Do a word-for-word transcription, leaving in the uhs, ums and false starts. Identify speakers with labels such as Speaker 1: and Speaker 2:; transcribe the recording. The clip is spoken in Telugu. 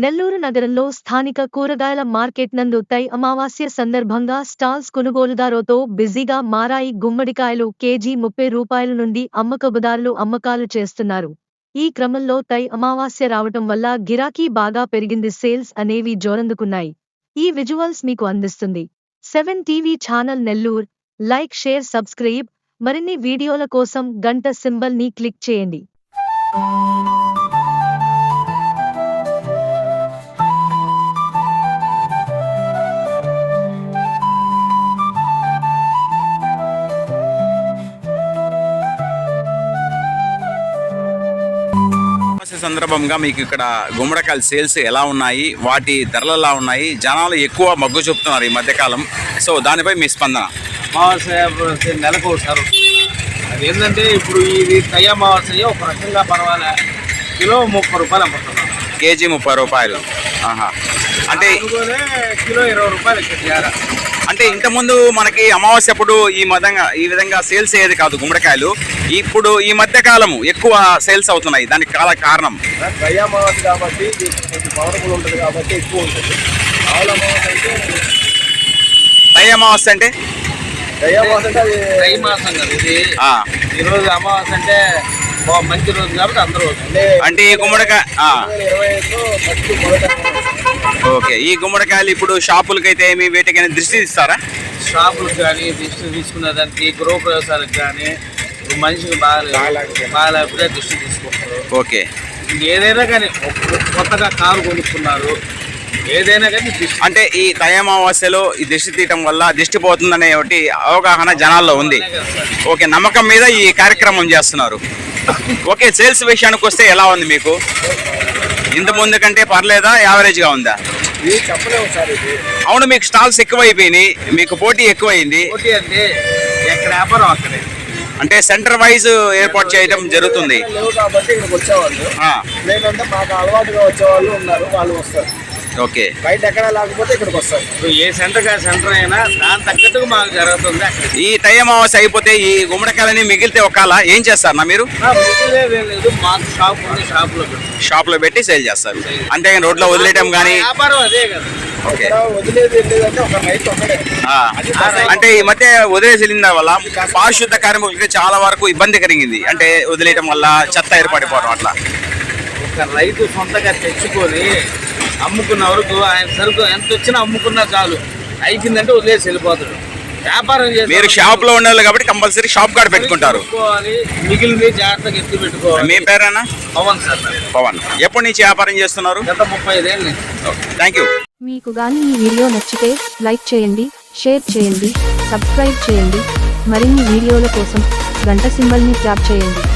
Speaker 1: నెల్లూరు నగరంలో స్థానిక కూరగాయల మార్కెట్ నందు తై అమావాస్య సందర్భంగా స్టాల్స్ కొనుగోలుదారుతో బిజీగా మారాయి. గుమ్మడికాయలు కేజీ ముప్పై రూపాయల నుండి అమ్మకబుదారులు అమ్మకాలు చేస్తున్నారు. ఈ క్రమంలో తై అమావాస్య రావటం వల్ల గిరాకీ బాగా పెరిగింది. సేల్స్ అనేవి జోరందుకున్నాయి. ఈ విజువల్స్ మీకు అందిస్తుంది seven TV channel Nellore. Like, share, subscribe. మరిన్ని వీడియోల కోసం గంట సింబల్ ని క్లిక్ చేయండి.
Speaker 2: సందర్భంగా మీకు ఇక్కడ గుమ్మడికాయల సేల్స్ ఎలా ఉన్నాయి, వాటి ధరలు ఎలా ఉన్నాయి, జనాలు ఎక్కువ మొగ్గు చూపుతున్నారు ఈ మధ్యకాలం. సో దానిపై మీ స్పందన?
Speaker 3: అమావాస్య నెలకు ఒకసారి అది ఏంటంటే ఇప్పుడు ఇది తై అమావాస్య ఒక రకంగా పర్వాలే. కిలో ముప్పై రూపాయలు అమ్ముతున్నాం.
Speaker 2: కేజీ ముప్పై రూపాయలు. ఆహా. అంటే
Speaker 3: కిలో ఇరవై రూపాయలు ఇక్కడ.
Speaker 2: అంటే ఇంతకుముందు మనకి అమావాస్య అప్పుడు ఈ విధంగా ఈ విధంగా సేల్స్ అయ్యేది కాదు గుమ్మడికాయలు. ఇప్పుడు ఈ మధ్య కాలము ఎక్కువ సేల్స్ అవుతున్నాయి. దానికి చాలా కారణం
Speaker 3: తై అమావాస్య కాబట్టి కొంచెం పవర్ఫుల్ ఉంటుంది కాబట్టి ఎక్కువ ఉంటుంది. ఆవుల అమావాస్య అంటే
Speaker 2: తై అమావాస్య అంటే
Speaker 3: తై అమావాస్య అంటే అది తై మాసం కదా ఇది. ఈరోజు అమావాస్య అంటే మంచి రోజు కాబట్టి అందరూ
Speaker 2: అంటే ఈ గుమ్మడికాయ
Speaker 3: ఇరవై ఐదులో ఫస్ట్ మొదట.
Speaker 2: ఓకే. ఈ గుమ్మడికాయలు ఇప్పుడు షాపులకైతే ఏమి వీటికైనా దృష్టి ఇస్తారా?
Speaker 3: షాపులకు కానీ దృష్టి తీసుకునే దానికి గృహప్రవేశాలకు కానీ మనిషికి బాగా బాగాలేకపోతే దృష్టి తీసుకుంటారు.
Speaker 2: ఓకే.
Speaker 3: ఏదైనా కానీ కొత్తగా కారు కొనుక్కున్నారు, ఏదైనా కానీ
Speaker 2: అంటే ఈ తై అమావాస్యలో ఈ దిష్టి తీయటం వల్ల దిష్టి పోతుందనే ఒకటి అవగాహన జనాల్లో ఉంది. ఓకే, నమ్మకం మీద ఈ కార్యక్రమం చేస్తున్నారు. ఓకే, సేల్స్ విషయానికి వస్తే ఎలా ఉంది మీకు? ఇంత ముందు కంటే పర్లేదా, యావరేజ్గా ఉందా?
Speaker 3: చెప్పలేము సార్. ఇది
Speaker 2: అవును, మీకు స్టాల్స్ ఎక్కువైపోయినాయి, మీకు పోటీ ఎక్కువైంది.
Speaker 3: పోటీ అంటే ఎక్కడ వ్యాపారం అక్కడే,
Speaker 2: అంటే సెంటర్ వైజ్ ఏర్పాటు చేయడం జరుగుతుంది
Speaker 3: కాబట్టి ఇక్కడికి వచ్చేవాళ్ళు. లేదంటే మాకు అలవాటుగా వచ్చేవాళ్ళు ఉన్నారు, వాళ్ళు వస్తారు.
Speaker 2: ఓకే.
Speaker 3: బయట ఎక్కడ లేకపోతే ఇక్కడికి వస్తారు. ఏ సెంటర్ కా సెంటర్ అయినా దాని తగ్గట్టుగా మాకు జరుగుతుంది.
Speaker 2: ఈ తై అమావాస్య అయిపోతే ఈ గుమ్మడికాయలని మిగిలితే ఒకవేళ ఏం చేస్తారు నా మీరు?
Speaker 3: లేదు, మాకు షాప్ ఉంది, షాప్ లో
Speaker 2: షాప్ లో పెట్టి సేల్ చేస్తారు. అంతేగాని రోడ్లో వదిలేయడం కానీ
Speaker 3: వ్యాపారం అదే కదా. వదిలేదు వెళ్ళేదంటే ఒక నైట్ ఒకటే.
Speaker 2: అంటే ఈ మధ్య వదిలేసి వెళ్ళిన వల్ల పారిశుద్ధ కార్మికులకి చాలా వరకు ఇబ్బంది కలిగింది. అంటే వదిలేయడం వల్ల చెత్త ఏర్పడిపోవడం అట్లా.
Speaker 3: ఒక రైతు సొంతగా తెచ్చుకొని అమ్ముకున్న వరకు ఆయన సరుకు ఎంత వచ్చినా అమ్ముకున్నా చాలు, అయిపోయిందంటే వదిలేసి వెళ్ళిపోతాడు. వ్యాపారం చేసి
Speaker 2: మీరు షాప్ లో ఉండాలి కాబట్టి కంపల్సరీ షాప్ కార్డ్ పెట్టుకుంటారు.
Speaker 3: మిగిలింది జాగ్రత్తగా ఎత్తి పెట్టుకోవాలి.
Speaker 2: మీ పేరేనా?
Speaker 3: పవన్ సార్.
Speaker 2: పవన్. ఎప్పటి నుంచి వ్యాపారం చేస్తున్నారు?
Speaker 3: గత ముప్పై ఐదేళ్ళు.
Speaker 2: Thank you.
Speaker 1: మీకు గాని ఈ వీడియో నచ్చితే లైక్ చేయండి, షేర్ చేయండి, సబ్స్క్రైబ్ చేయండి. మరిన్ని వీడియోల కోసం గంట సింబల్ ని ట్యాప్ చేయండి.